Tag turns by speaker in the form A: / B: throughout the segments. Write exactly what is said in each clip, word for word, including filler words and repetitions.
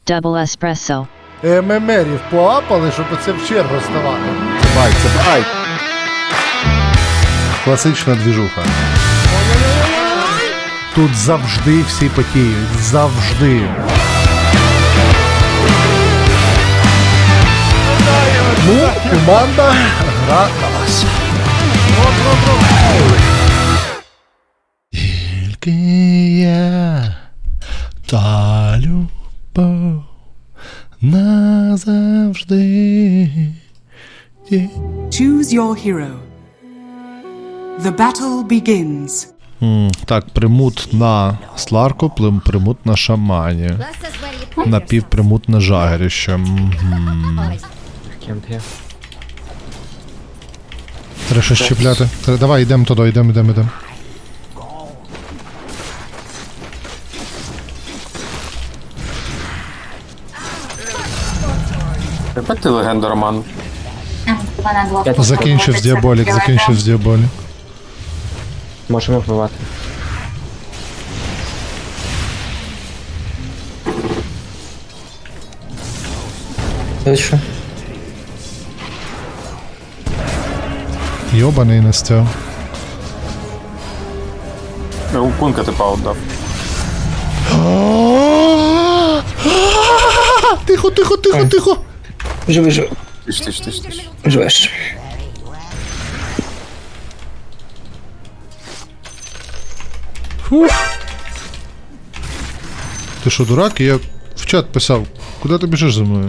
A: Double espresso.
B: ММРів поапали, щоб оце в чергу ставати. Бай, це бай. Класична двіжуха. Тут завжди всі потіють. Завжди. Ну, команда гра на вас. Тільки я та любов назавжди.
C: Choose your hero. The battle begins.
B: М, Так, примут на Сларку, плим- примут на шамані. Напівпримут на жагеріще. Мгм. Треба щось чіпляти. Треба- Давай, йдемо туди, йдемо, йдемо, йдемо.
D: Опять ти легенда, Роман.
B: Закінчив з діаболік, закінчив з діаболік.
E: Можемо вбивати.
F: Точно.
B: Йобаний Настя.
D: У пунка типа отдав.
B: Тихо, тихо, тихо, тихо.
F: Живи, живи.
D: Тиш, тиш, тиш, тиш.
F: Живеш.
B: Фух. Ти що, дурак? Я в чат писав. Куди ти біжиш за мною?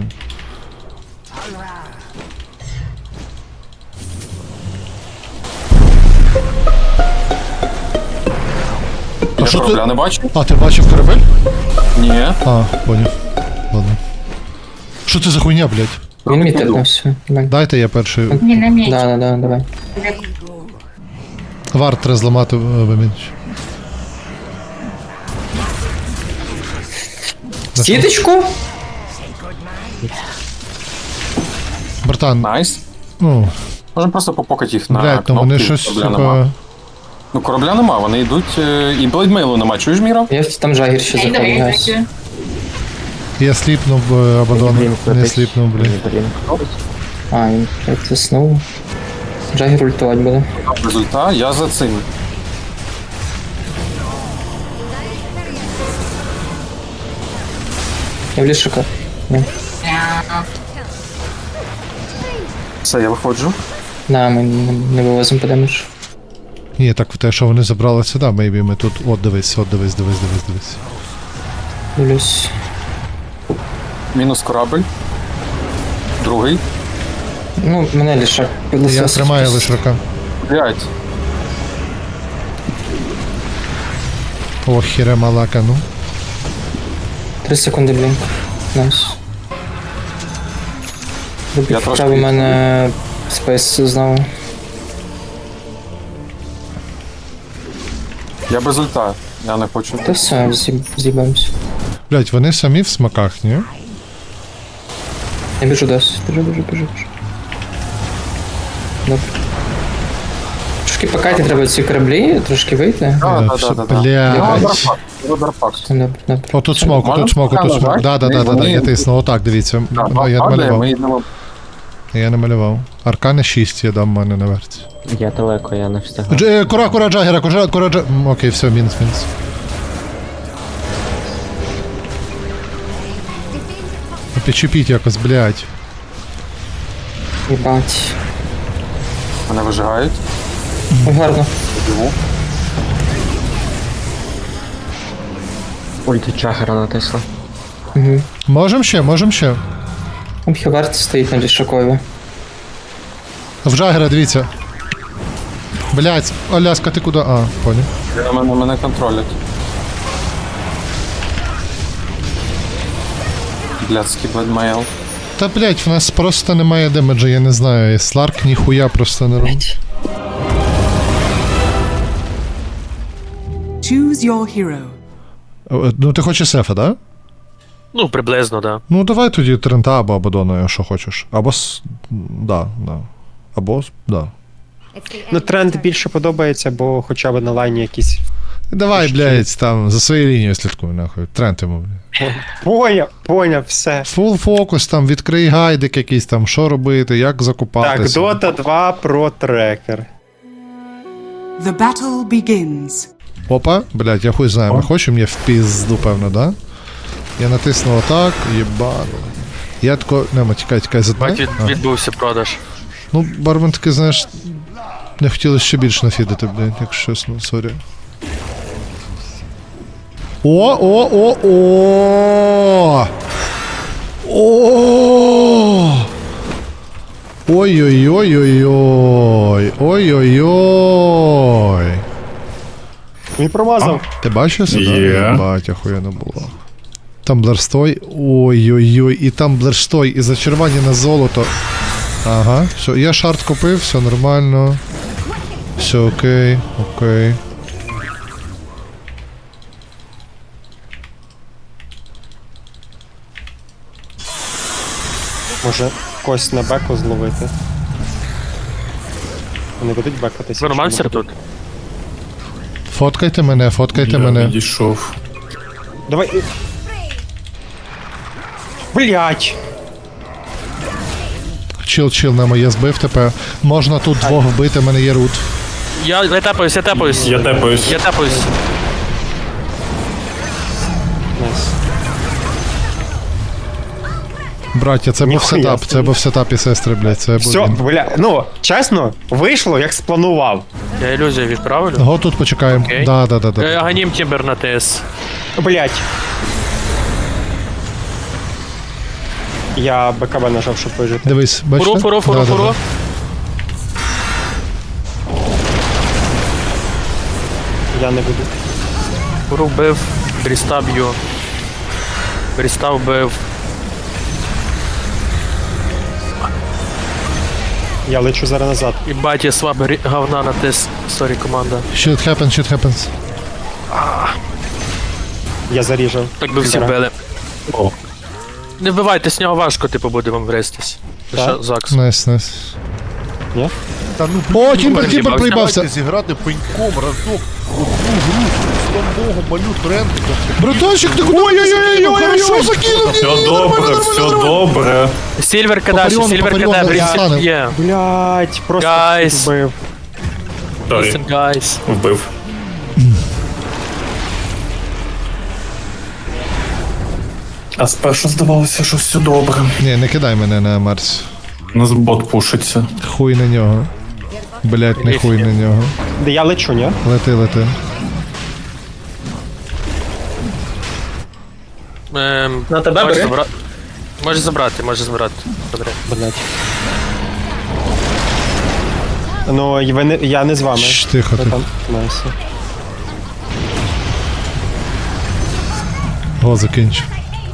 D: Я
B: що ти-
D: корабля не бачу?
B: А, ти бачив корабель?
D: Ні.
B: А, поняв. Ладно. Що це за хуйня, блядь?
F: Він мітив на все. Давай.
B: Дайте я перший.
G: Він на меч.
F: Да, да, да, давай.
B: Варт треба зламати вимінч.
F: Сіточку?
B: Братан,
D: Найс.
B: ну,
D: Можемо просто попокати їх на
B: блядь, ну вони
D: кнопки,
B: щось,
D: корабля нема.
B: сука...
D: Ну корабля нема, вони йдуть, е, і блейдмейлу нема, чуєш, Міра?
F: Я там жагір ще
G: Ей, давай,
F: заходить.
G: давай.
B: Я сліпнув е, Абадон, не сліпнув, блядь.
F: А, він як заснув. Жагір ультувати буде.
D: Результат, я за цим.
F: Я в лішика.
D: Все, я виходжу.
F: Да, ми не, не вивозимо по демедж.
B: Ні, так те, що вони забрали сюди, мейбі ми тут... От, дивись, от, дивись, дивись, дивись, дивись.
F: Дивлюсь.
D: Мінус корабль. Другий.
F: Ну, мене лішак підлосив.
B: Я тримаю лише рука.
D: П'ять.
B: О, хіре малака, ну.
F: Три секунди блінк. Найс.
D: Я
F: Рубік
D: трошки
F: вкрав у мене спейс знову.
D: Я без ульта. Я не хочу.
F: Та все, з'їб- з'їбаємось.
B: Блядь, вони самі в смаках, ні?
F: Я біжу досі. Біжу, біжу, біжу, біжу. Добре. Трошки покайте треба ці кораблі, трошки вийти.
D: Да, да,
B: Все,
D: да, да, да.
B: блядь.
D: Родарфакт. Родарфакт.
F: Добре, добре.
B: О, тут смок,
D: Можна
B: тут смок, тут
D: показати,
B: смок.
D: так?
B: Да, да, да, да, да,
D: Ми-
B: я тисну. Отак, дивіться.
D: Так,
B: О, я
D: падає,
B: намалював.
D: ми йдемо.
B: Я намалював. Аркани шість я дам в мене на верці.
E: Я далеко, я не встигаю.
B: Дж- е, Кура, кура, джагера, кура, кура, джа... М, Окей, все, мінус, мінус. Ну, Підчепіть якось, блядь.
F: Їбать.
D: Мене вижигають.
F: Ой, гарно.
D: Живу.
E: Ульти Чагера натисла.
F: Угу.
B: Можем ще, можем ще.
F: Хевард стоїть на лішакові.
B: В джагера, дивіться. Блядь, Аляска, ти куди? А, понял.
D: Я- Мене, мене контролять. Блядський блейдмейл.
B: Та, блядь, в нас просто немає демеджа, я не знаю. Сларк ніхуя просто не робить.
C: Choose your hero.
B: Е, Ну, ти хочеш сефа, да?
H: Ну, приблизно, да.
B: Ну, давай тоді Трента або Абадона, якщо хочеш. Або с... Да, да. Або, с- да.
I: Ну, тренд більше подобається, бо хоча б на лайні якісь
B: Давай, блядь, там, за своєю лінією слідкуй, нахуй. Тренд йому, блядь.
A: Поняв, поняв, все.
B: Фул фокус, там, відкрий гайдик якийсь там, що робити, як
A: Так,
B: закупатися.
A: Дота два про трекер.
C: The battle begins.
B: Опа, блядь, я хуй знаю, ми хочемо, я в пізду, певно, да? Я натиснув отак, їбало. Я тако, нема, тікай, тікай,
H: Бать,
B: затмай.
H: від,
B: А.
H: відбувся продаж.
B: Ну, бармен таки, знаєш, не хотілося ще більше нафідити, блядь, якщо чесно, сорі. О, о, о, о! О! Ой-ой-ой-ой-ой! Ой-ой-ой!
A: Він промазав.
B: Ти бачив сюди?
G: Є.
B: Бать, охуєнно було. Тамблерстой. Ой-ой-ой, і тамблерстой, і зачарування на золото. Ага, все, я шарт купив, все нормально. Все окей, окей.
A: Може когось на беку зловити. Вони будуть бекатися.
H: Вормансер тут.
B: Фоткайте мене, фоткайте
G: Я
B: мене.
G: відійшов.
A: Давай. Блять!
B: Чил, чил, нема, я збив тебе. Можна тут двох вбити, в мене є рут.
H: Я, я тепаюсь, я тепаюсь.
G: Я тепаюсь.
H: Я тепаюсь.
A: Найс.
B: Браття, це був
A: Ніхуя
B: сетап,
A: собі.
B: це був сетап і сестри, блядь, це був
A: Все,
B: він.
A: бля, ну, чесно, вийшло, як спланував.
H: Я ілюзію відправлю.
B: Го тут почекаємо.
H: Окей.
B: Да, да, да,
H: Е,
B: да.
H: Ганім Тімбер на ТС.
A: Блять. Я БКБ нажав, щоб вижити.
B: Дивись, бачите?
H: Фуру, фуру, фуру,
B: Да, да,
H: фуру.
B: да.
A: Я не буду.
H: Фуру вбив. Бріста б'ю. Бріста вбив.
A: Я лечу зараз назад.
H: І баті сваб грі- говна на ТС. Сорі, команда.
B: Shit happens, shit happens.
A: Я заріжав.
H: Так би всі
A: Тімбера.
H: били. Не вбивайте, з нього важко, типу, буде вам врестись. Це
A: Так?
H: що, Закс.
B: Найс, найс.
A: Ні?
B: О, Тімбер, Тімбер проїбався.
I: Давайте зіграти пеньком разок одну гру з Богу малю трендика.
B: Братанчик, ти куди? Ой-ой-ой, хорошо закинув.
G: Все добре, все добре.
H: Сільвер кадаші,
B: Попаріон,
H: Сільвер
B: Попаріон,
H: кадаші.
B: Рістанем.
H: Є.
A: Блять, просто
H: Guys.
A: вбив.
G: Сорі,
H: Listen, guys.
G: вбив. А спершу здавалося, що все добре.
B: Ні, не кидай мене на Марс.
G: У нас бот пушиться.
B: Хуй на нього. Блять, не хуй на нього.
A: Де я лечу, ні?
B: Лети, лети.
H: Ем,
E: На тебе
H: можеш
E: бери.
H: забра- Можеш забрати, можеш забрати. Добре.
A: Блять. Ну, і ви не, я не з вами.
B: Шш, тихо
A: Ви
B: ти.
A: там. Найс.
B: Го, закінчив.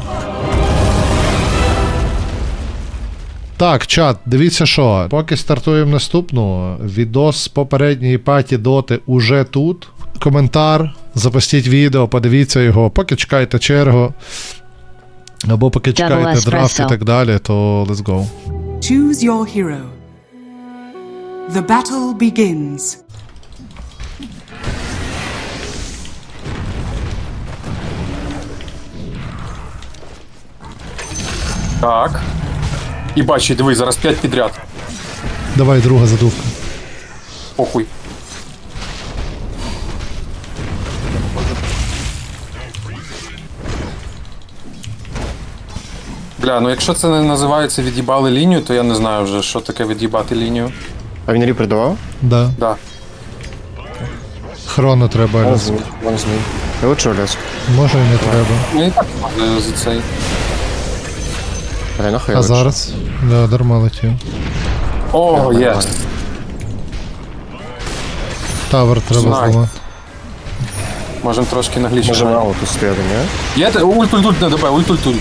B: Так, чат, дивіться що. Поки стартуємо наступну, відос з попередньої паті доти уже тут. Коментар, запустіть відео, подивіться його, поки чекаєте чергу. Або поки чекаєте драфт і так далі, то let's go.
C: Choose your hero. The battle begins.
D: Так. І бачу, диви, зараз п'ять підряд.
B: Давай, друга задувка.
D: Похуй. Бля, ну якщо це не називається від'їбали лінію, то я не знаю вже, що таке від'їбати лінію.
A: А він ріпер давав?
B: Да.
D: Да.
B: Хроно треба.
A: Вон
B: Ляс.
A: змій, вон змій. Я лечу лес.
B: Може і не треба.
D: Ну і так можна за цей.
A: Ай, нахуй
B: А зараз? Да, дарма летів.
D: О, є.
B: Тавер треба
D: Знаю.
B: зламати.
D: Можемо трошки наглічити.
A: Може мало тут стояти, ні?
D: Є те- ульт, ульт, ульт на ДБ, ульт, ульт, ульт.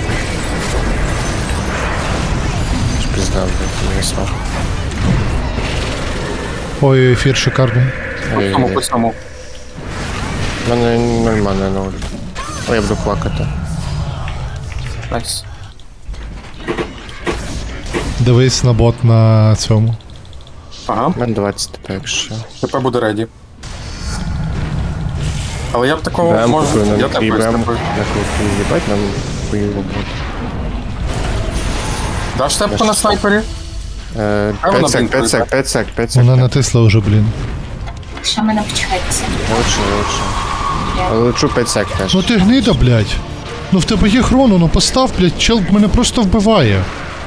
A: Пізда, блядь, не смах.
B: Ой, ефір шикарний.
D: По цьому, по цьому.
A: У мене нормально на ульт. Ой, я буду плакати.
D: Найс.
B: Дивись на бот на цьому.
D: Ага,
A: У мене двадцять тепер, якщо.
D: тепер буде реді. Але я б такого
A: Бем,
D: можу.
A: купив,
D: Я
A: нам
D: такою
A: бем,
D: такою.
A: як їбать нам хуйову буде.
D: Даш тепку на снайпері?
A: Е,
D: А вона
A: п'ять сек,
D: блін,
A: п'ять сек, п'ять сек, п'ять сек.
B: Вона натисла вже, блін.
J: Що мене почекається?
A: Лучше, лучше. Але лечу п'ять сек теж.
B: Ну ти гнида, блядь. Ну в тебе є хроно, ну постав, блядь, чел мене просто вбиває.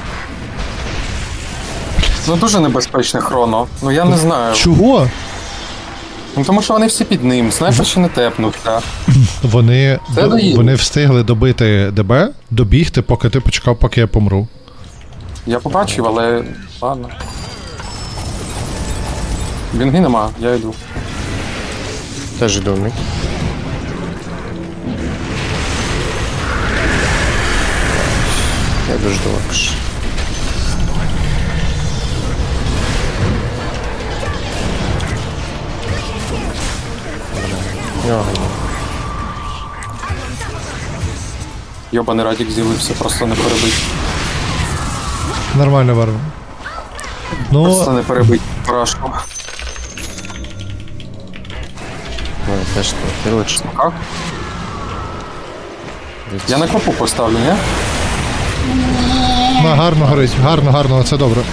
D: Ну дуже небезпечне хроно. Ну я не знаю.
B: Чого?
D: Ну тому що вони всі під ним. Снайпер ще не тепнувся.
B: Вони,
D: Це
B: до-
D: доїде.
B: вони встигли добити ДБ, добігти, поки ти почекав, поки я помру.
D: Я побачив, але ладно. Бінги нема, я йду.
A: Теж йду в мід. Я дожду лакш. Нього.
D: Йобаний радік з'явився, просто не перебить.
B: Нормально, Варвар.
D: Просто
B: Ну,
D: не перебить поражку.
A: Ну, теж не. Ти лучше.
D: Як? Я на копу поставлю, ні?
B: на, гарно горить, гарно, гарно, це добре.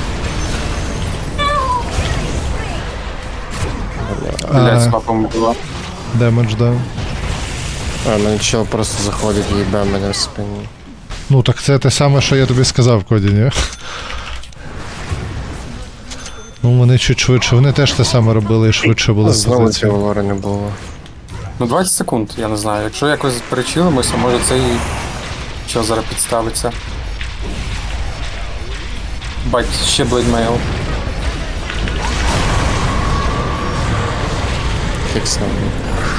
D: Блять, з
B: А,
D: копом була.
B: демедж, да.
A: А, мене чел просто заходить і їбе мене в спині.
B: Ну так це те саме, що я тобі сказав, Коді, ні? Ну вони чуть швидше, вони теж те саме робили і швидше були з
A: Знову
B: позиції.
A: цього лори не було.
D: Ну двадцять секунд, я не знаю. Якщо якось перечилимося, може цей що зараз підставиться. Бать, ще блейдмейл.
A: Фікс на мені.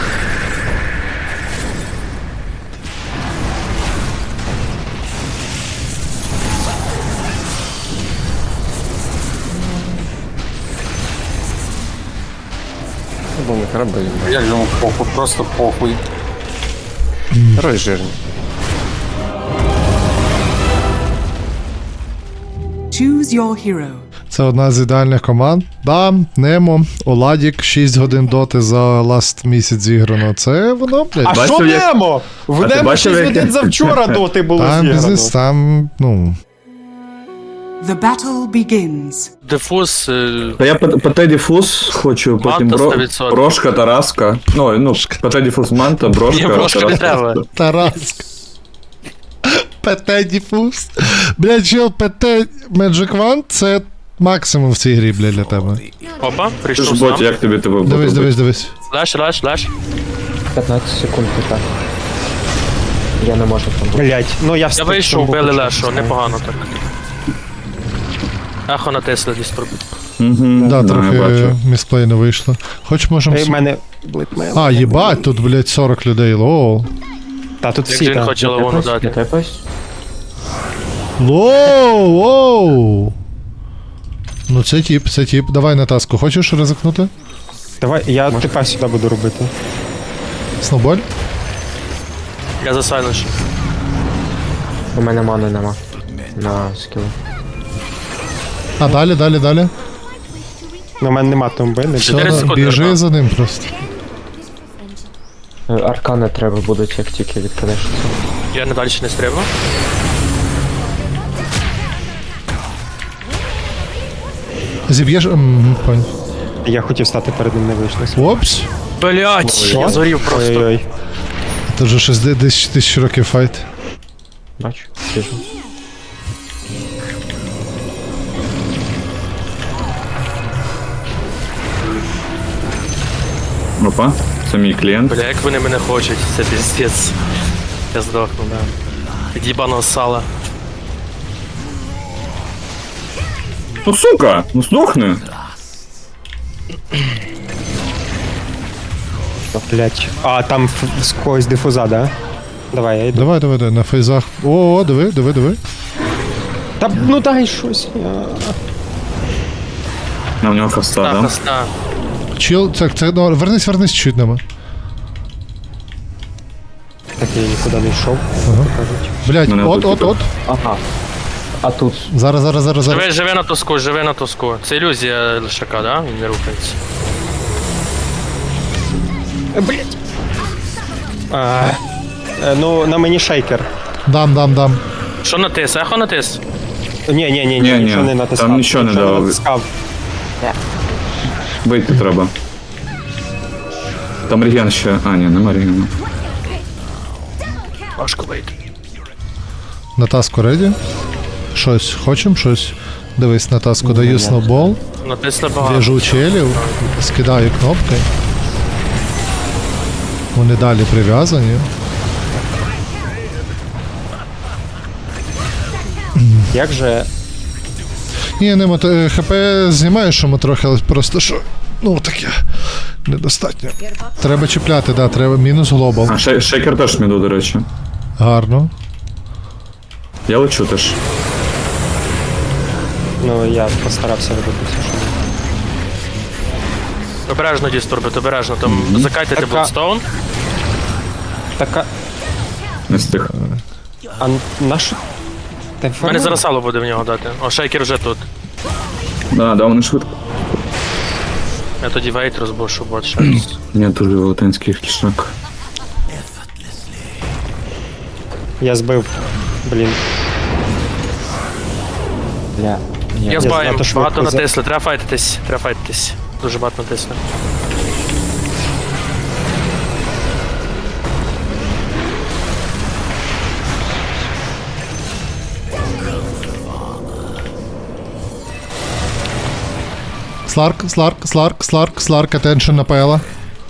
A: Бо ми храби.
D: Як же йому похуй, просто похуй.
A: Герой жирний.
C: Choose your hero.
B: Це одна з ідеальних команд. Да, Немо, Оладік, шість годин доти за ласт місяць зіграно. Це воно, блядь.
I: А що Немо? В Немо шість годин завчора доти було
B: Там
I: зіграно.
B: бізнес, там, ну.
C: The battle begins.
H: Дифуз. е,
G: Та я по, по Теді Фус хочу, потім
H: Манта
G: бро,
H: сто відсотків.
G: Брошка, Тараска. Ну, ну, по Теді Фус Манта, Брошка,
H: Ні, Брошка не
G: Тараска.
H: треба.
B: Тараск. ПТ Діфуз. Блядь, чел, ПТ Magic Wand це максимум в цій грі, блядь, для тебе.
H: Опа,
G: Ти ж
H: прийшов
G: бот,
H: сам.
G: як тобі тебе
B: Дивись,
G: бот
B: дивись, дивись.
H: Леш, леш, леш.
E: п'ятнадцять секунд і так. Я не можу там бути.
I: Блять, ну я
H: Я
I: встиг.
H: вийшов,
I: тому
H: били
I: хочу
H: лешу,
I: поставити.
H: непогано так. Ехо натисли десь пробив.
G: Угу,
B: Да,
G: я
B: трохи
G: бачу.
B: місплей не вийшло. Хоч можемо...
I: Ей, в мене блитмейл.
B: А, їбать, тут, блядь, сорок людей, лоу.
I: Та тут
H: Як
I: всі
H: же він
I: там.
H: хоче лавону
E: Я
H: дати.
E: тепаюсь?
B: Лоу, лоу. Ну це тип, це тип. Давай на таску. Хочеш ризикнути?
I: Давай, я тепер сюди буду робити.
B: Сноуболь?
H: Я засайленшу.
E: У мене мани нема. На скілу.
B: А далі, далі, далі.
I: Ну, у мене нема тумби, не
B: Все,
I: буде.
H: Чотири
B: да,
H: секунди,
B: біжи
H: да.
B: за ним просто.
E: Е, Аркани треба будуть, як тільки відкидеш це.
H: Я не далі не стрибну.
B: Зіб'єш. М, Понял.
I: Я хотів стати перед ним, не вийшло.
B: Опс.
H: Блять, я зорів просто.
I: Ой-ой-ой.
B: Це вже щось де- десь тисяч років файт.
E: Бачу, біжу.
G: Опа, це мій клієнт.
H: Бля, як вони мене хочуть, це піздець. Я здохну, да. Від їбаного сала.
G: Ну сука, ну здохни.
I: Блять. А, там ф- з когось дифуза, да? Давай, я йду.
B: Давай, давай, давай, на фейзах. О, о, диви, диви, диви.
I: Та ну дай щось. Я...
G: На у нього хаста,
H: Так,
G: да?
H: хасна.
B: Чил, так, це, ну, вернись, вернись чуть нема.
I: Так я нікуди не йшов,
B: Ага.
I: кажуть.
B: Блять,
G: Мене
B: от,
G: тут
B: от,
G: типу-
B: от.
E: Ага. А тут
B: Зараз, зараз, зараз, зараз.
H: Живи, живи на тоску, живи на тоску. Це ілюзія лишака, да? Він не рухається.
I: Е, Блять.
E: А, е, ну, на мені шейкер.
B: Дам, дам, дам.
H: Що натис? Ехо натис?
E: Ні, ні, ні, ні,
G: Ні, ні,
E: нічого не натискав.
G: там нічого не давав.
E: натискав.
G: Вийти треба. Там реген ще. А, ні, нема регену.
H: Важко вийти.
B: На таску реді. Щось, хочем щось? Дивись, на таску даю сноубол,
H: Натисли багато.
B: в'яжу челів, скидаю кнопки. Вони далі прив'язані.
E: Як же...
B: Ні, не мото... ХП знімаю, що ми трохи, але просто що. Ну таке. Недостатньо. Треба чіпляти, да, треба мінус глобал.
G: А, шей- шейкер теж міду, до речі.
B: Гарно.
G: Я лечу теж.
E: Ну, я постарався робити все, що міг.
H: Обережно дістурбит, обережно. Там закайтайте
E: Така-
H: Bloodstone.
E: Така...
G: Не встиг.
E: А наш... Ти
H: У мене зараз сало буде в нього дати. О, шейкер вже тут.
G: Да, да, вони швидко.
H: Я тоді вейт розбушу, бот щось.
G: Ні, дуже велетенський кішак.
E: Я збив. Блін. Бля. Ні,
H: Я з баєм,
E: знато швидко
H: багато
E: за-
H: натисли, треба файтитись, треба файтитись. Дуже багато натисли.
B: Сларк, сларк, сларк, сларк, сларк, attention на пела.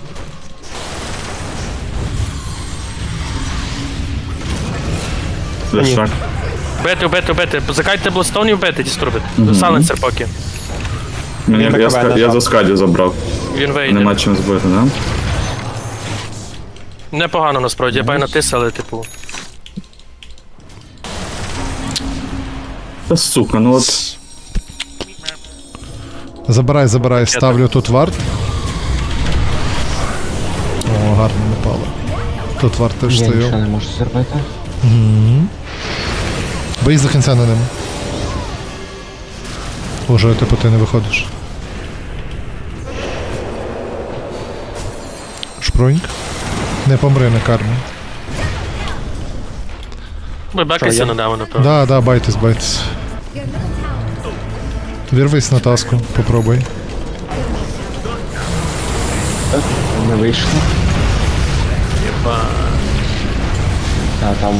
G: Кішак.
H: Бити, бити, бити. Закайте Bloodstone і вбити дістурбит. Сайленсер поки.
G: Мені, я,
E: БКБ
G: ска- я
E: нажав.
G: за скаді забрав.
H: Він вийде.
G: Нема чим збити, да?
H: Непогано насправді, я бай натис, але типу.
G: Та сука, ну от.
B: Забирай, забирай, ставлю тут варт. О, гарно напало. Тут варт теж
E: Я нічого
B: стояв.
E: не можу зробити.
B: Бий до кінця на ньому. Уже, типу, ти не виходиш. Шпруньк. Не помри на кармі.
H: Ви бекайся на демона, напевно.
B: Да, да, байтесь, байтесь. Вірвись на таску, попробуй.
E: Не вийшло. А там...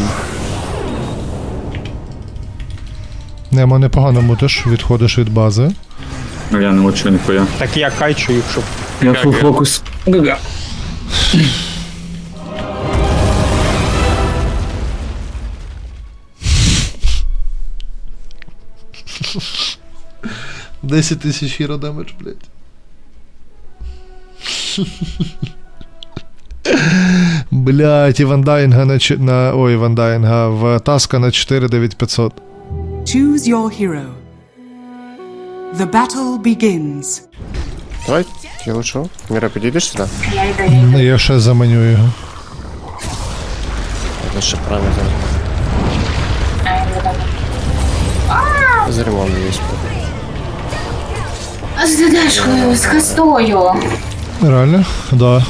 B: Немо непогано мутиш, відходиш від бази.
G: А я не лечу ніхуя.
E: Так я кайчу їх, щоб...
G: Я фул фокус. Гага.
B: десять тисяч хіро демедж, блядь. Блядь, і Вандайнга на, чи- на... Ой, Вандайнга в Таска на чотири дев'ять п'ятсот.
C: Choose your hero. The battle begins.
A: Давай, я лучу. Міра, підійдеш сюди?
J: Я йду, я йду.
B: Я ще заманю його.
A: Я ще правильно зараз.
J: А, я йду добре.
A: З ремонтом є.
J: А з дедешкою, з хастою.
B: Реально? Да.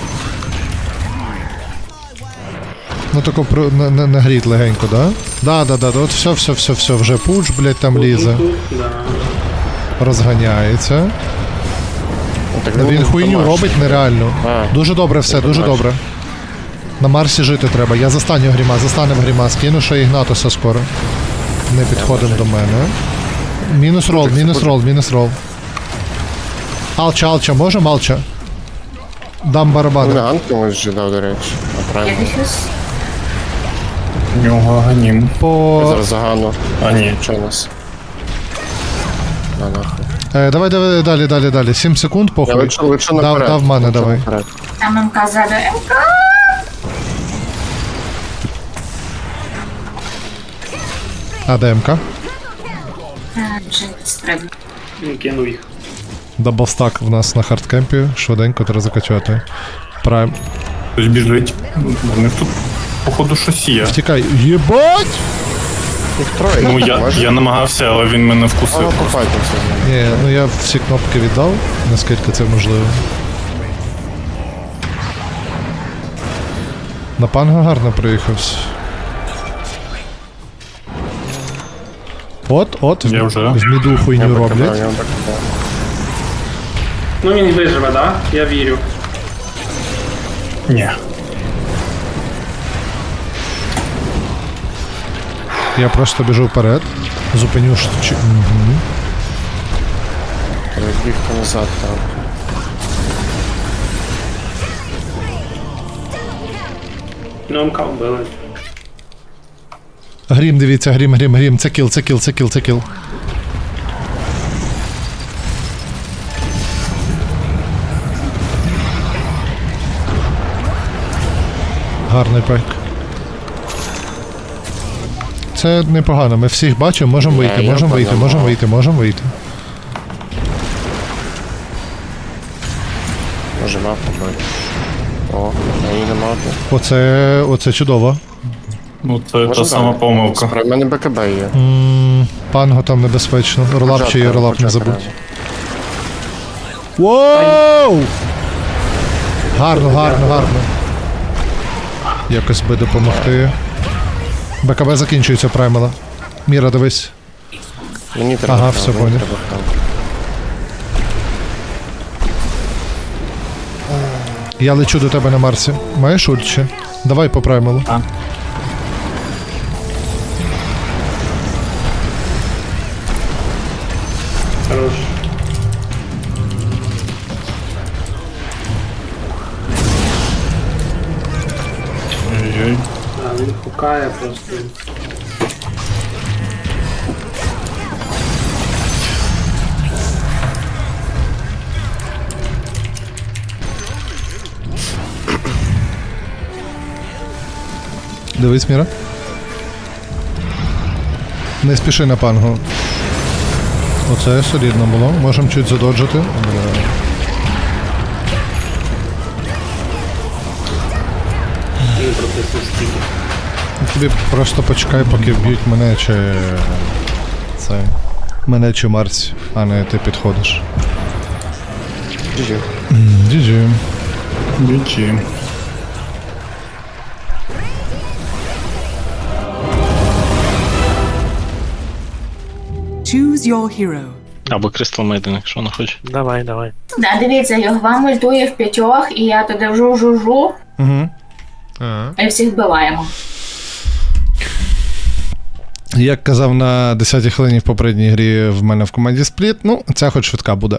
B: Ну тако про на, на, нагріть легенько, да? Да, да, да, от все, все, все, все, вже пуч, блядь, там лізе. Розганяється.
A: Так,
B: Він хуйню робить нереально.
A: А.
B: Дуже добре все,
A: Я
B: дуже
A: побачив.
B: добре. На Марсі жити треба. Я застаню Гріма, застанем Гріма, скину ще Ігнатуса скоро. Не підходимо до мене. Мінус рол, мінус рол, мінус рол. Алча, алча, може алча? Дам
A: Ну,
B: барабани.
A: на ганки може жидав, до речі. А
J: Я
A: правильно.
J: дефюз.
G: У нього ганім.
A: Я
B: По...
A: зараз загану.
G: А ні.
A: Що у нас? На нахуй.
B: Е, давай, давай, далі, далі, далі. сім секунд,
A: Я
B: похуй.
A: лечу, лечу
B: Дав,
A: наперед.
B: дав мене,
A: Лечу
B: давай.
A: наперед.
J: Там МК ззаду. МК!
B: А ДМК?
J: А, вже стрибну.
G: Кинув їх.
B: Даблстак в нас на хардкемпі. Швиденько треба закачати. Прайм.
G: Хтось біжить. У них тут, походу, щось є.
B: Втікай. Єбать!
A: Їх троє.
G: Ну, я,
A: Може?
G: я намагався, але він мене
A: А,
G: вкусив.
A: ну, пофайтимося.
B: Ні, ну я всі кнопки віддав, наскільки це можливо. На панго гарно проїхався. От, от, в,
G: Я вже.
B: в міду хуйню
A: Я
B: роблять.
A: я бекабав.
G: Ну він виживе, да? Я вірю. Ні.
B: Я просто біжу вперед. Зупиню штучі. Угу.
A: Треба бігти назад там.
G: Ну, МК вбили.
B: Грім, дивіться, грім, грім, грім. Це кіл, це кіл, це кіл, це кіл. Гарний пайк. Це непогано, ми всіх бачимо, можемо
A: Ні,
B: вийти,
A: я
B: можемо вийти,
A: понял.
B: можемо вийти, можемо вийти.
A: Може мапу бити. О, а її нема.
B: Оце, оце чудово.
G: Ну це
A: Може,
G: та сама
A: да.
G: помилка.
A: У мене БКБ є.
B: М, Панго там небезпечно. Ролап чи є, ролап не забудь. Воу! Гарно, гарно, гарно. Якось би допомогти. БКБ закінчується праймела. Міра, дивись.
A: Мені треба.
B: Ага,
A: хам,
B: все,
A: мені
B: понял.
A: треба хам.
B: Я лечу до тебе на Марсі. Маєш ульт ще? Давай по праймелу.
G: А. Хорош. Ой-ой. А, він хукає просто.
B: Дивись, Міра. Не спіши на пангу. Оце солідно було. Можемо чуть задоджити. Бля.
G: Він прописав стільки.
B: Тобі просто почекай, поки вб'ють мене чи. Це. Мене чи Марсі, а не ти підходиш.
A: джі джі.
B: джі джі.
G: Бічі.
C: Choose your hero.
I: Або Крістал Мейден, якщо не хоче.
H: Давай, давай.
J: Да, дивіться, Йогва мультує в п'ятьох, і я туди вжу-жу-жу,
B: Угу.
J: і всіх вбиваємо.
B: Як казав на десятій хвилині в попередній грі в мене в команді Спліт, ну, ця хоч швидка буде.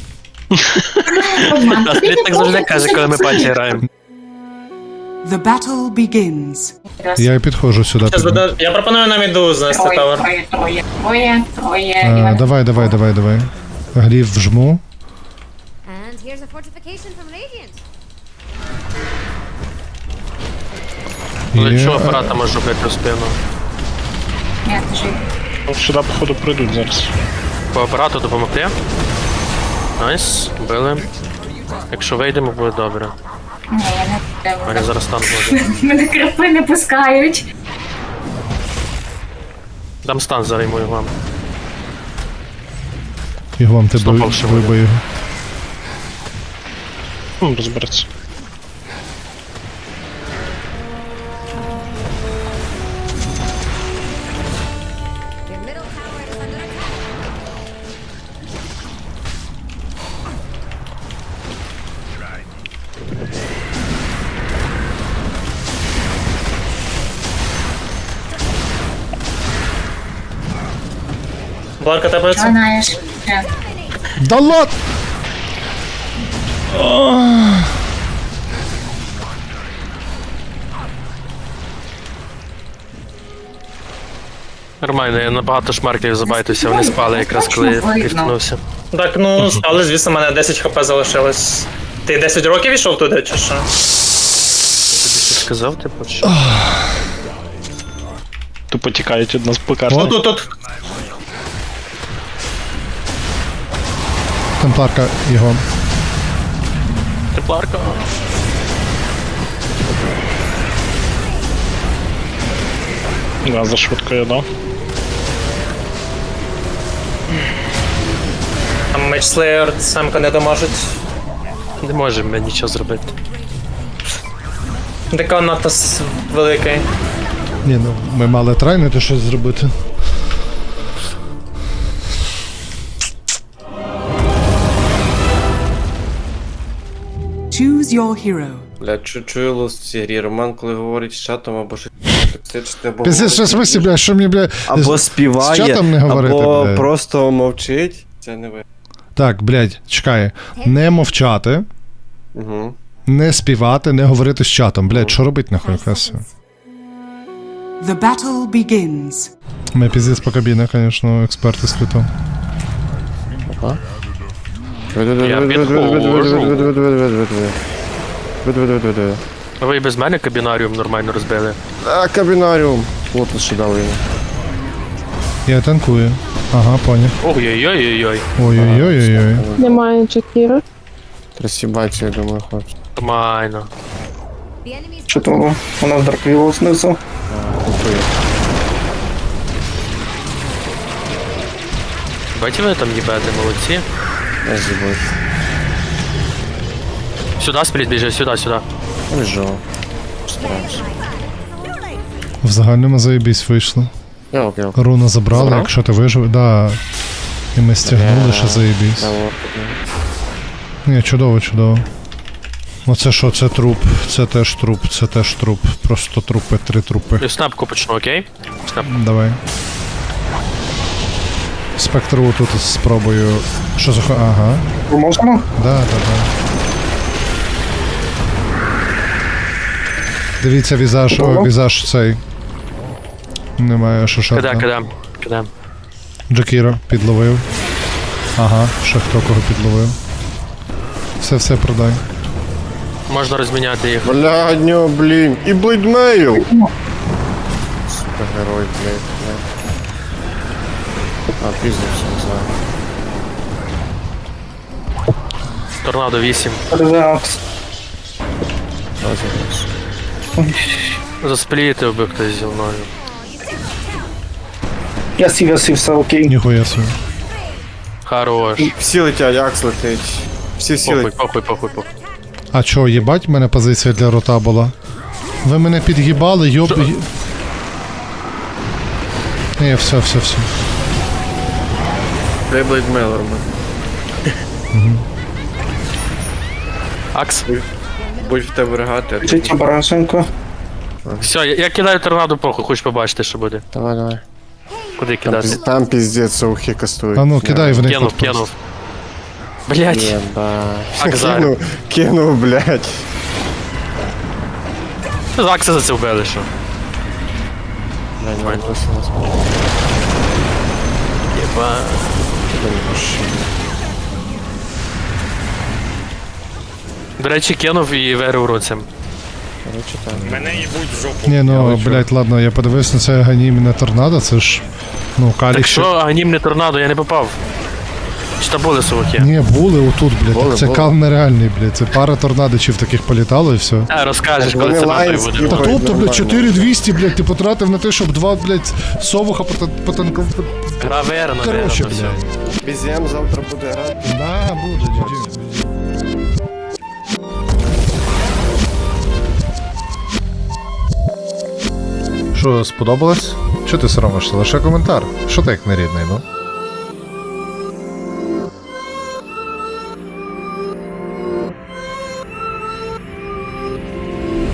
J: Обман.
H: А Спліт так завжди каже, коли ми паті граємо.
C: The battle begins.
B: Я і підходжу сюди. під-
G: Я пропоную нам іду знести
J: Троє,
G: тавер.
J: троє, троє, троє, троє. і
B: А,
J: вони-
B: давай, давай, давай, давай. Глів вжму.
K: And here's a fortification from Radiant.
H: Але
B: Є,
H: що апарата може бити в спину?
J: Ні, жив.
I: Сюди, походу, прийдуть зараз.
H: По апарату допомогти? Найс, били. Якщо вийдемо, буде добре.
J: Ні, я не
H: У мене зараз стан буде.
J: Мене крапи не пускають.
H: Дам стан зараз йому і вам.
B: Його вам ти
H: Снопав
B: бой-
H: ще
B: бой
H: буде.
B: бою.
I: Ну, розбереться.
K: Your middle tower is under attack.
G: Бларка тебе це?
J: Знаєш. Е,
B: Да лот!
H: Нормально, я набагато шмарків забайтився, вони спали якраз коли я
J: Видно.
H: підкнувся.
G: Так, ну, але звісно, в мене десять хп залишилось. Ти десять років ішов туди, чи що?
H: Я тобі щось сказав, типу, що?
I: Тупо тікають від нас по карті.
B: От.
G: Тут, тут.
B: Темпларка його.
H: Тепларка.
I: Да, за швидко я дав.
G: Там меч Слеєр самка не доможуть.
H: Не можемо ми нічого зробити.
G: Така надто с- великий.
B: Ні, ну ми мали трайнити щось зробити.
C: Choose your hero.
A: Бля, чу- чую лост в цій грі. Роман, коли говорить з чатом або щось токсичне, або
B: Пиздець, що в смислі, бля, що мені, бля,
A: або
B: з
A: співає,
B: чатом не говорити,
A: або
B: бля.
A: просто мовчить. Це не ви.
B: Так, блядь, чекай. Не мовчати,
A: Угу.
B: не співати, не говорити з чатом. Блядь, що робить нахуй красиво?
C: The battle begins.
B: Ми піздець по кабінах, звісно, експерти світу.
H: Я Ви і без мене кабінаріум нормально розбили.
A: А, кабінаріум. Лотос ще дали йому.
B: Я танкую. Ага, поняв.
H: Ой-ой-ой-ой-ой.
B: Ой-ой-ой-ой-ой.
K: Немає Джакіра.
A: Трасібаці, я думаю, хлопці.
H: Нормально.
K: The enemy's
F: Що то у нас Дарквілл знизу?
A: Купує.
H: Бачите, ви там їбете, молодці.
A: Я зібую.
H: Сюди спліт біжи, сюди, сюди.
A: Біжу. Стараюсь.
B: В загальному заєбісь вийшло.
A: Йок, йок.
B: Руна забрала,
A: Забрав?
B: якщо ти вижив, да. І ми стягнули, що заєбісь.
A: Та от,
B: Ні, чудово, чудово. Оце що, це труп, це теж труп, це теж труп. Просто трупи, три трупи.
H: Я снапку почну, окей? Снап.
B: Давай. Спектру тут спробую. Що за хо- Ага.
F: Можемо?
B: Да, да, да. Дивіться, візаж, о, візаж цей. Немає що
H: Кидай,
B: шарта.
H: кидай. Кидай.
B: Джакіра підловив. Ага, ще хто кого підловив. Все, все продай.
H: Можна розміняти їх.
A: Блядньо, блін. І блейдмейл. Супергерой, блядь, блядь. А, піздався, не знаю.
H: Торнадо вісім.
F: Резакс.
A: Розіграш.
H: Засплітив би хтось зі мною.
F: Я сів, я сів, все окей.
B: Ніхуя собі.
H: Хорош.
A: Всі летять, Акс летить. Всі всі
H: Похуй,
A: летять.
H: похуй, похуй, похуй.
B: А чо, їбать, в мене позиція для рота була? Ви мене під'їбали, йоб... й- Ні, все, все, все.
A: Дай блейдмейл, Роман.
H: Акс.
A: Будь в тебе регати. а
F: Життя барашенко.
H: Все, я, я кидаю торнадо похуй, хочеш побачити, що буде.
A: Давай, давай.
H: Куди
A: Там,
H: кидати?
A: піз- там піздець совухи кастують.
B: А ну, кидай в них.
H: Кинув,
B: тут.
H: кинув. Блять.
A: Єба.
H: Акзар.
A: Кинув, кинув, блядь.
H: З Акса за це вбили, що.
A: Блядь, не просто нас
H: Єба. До речі, кинув і верив руцем.
A: Короче, так.
B: Ні, ну, блядь, ладно, я подивився на це ганімне торнадо, це ж. Ну,
H: Так
B: калік
H: що, анімне торнадо, я не попав. Чи там були соваки?
B: Ні, були отут, блядь.
A: Були,
B: це
A: були.
B: кал нереальний, блядь. Це пара торнадичів таких політало і все.
H: А, розкажеш, коли
A: Вони
H: це
A: лайн
H: нахуй буде.
A: скіпають.
B: Та тобто,
A: нормально.
B: блядь, чотири двісті, блядь, ти потратив на те, щоб два, блядь, совуха потанков...
H: Гравер,
B: Короче,
H: наверное, все.
B: блядь.
A: Бізєм завтра буде грати.
B: Да, буде, джі-джі. Що, сподобалось? Чого ти соромишся? Лише коментар. Що ти як нерідний, ну?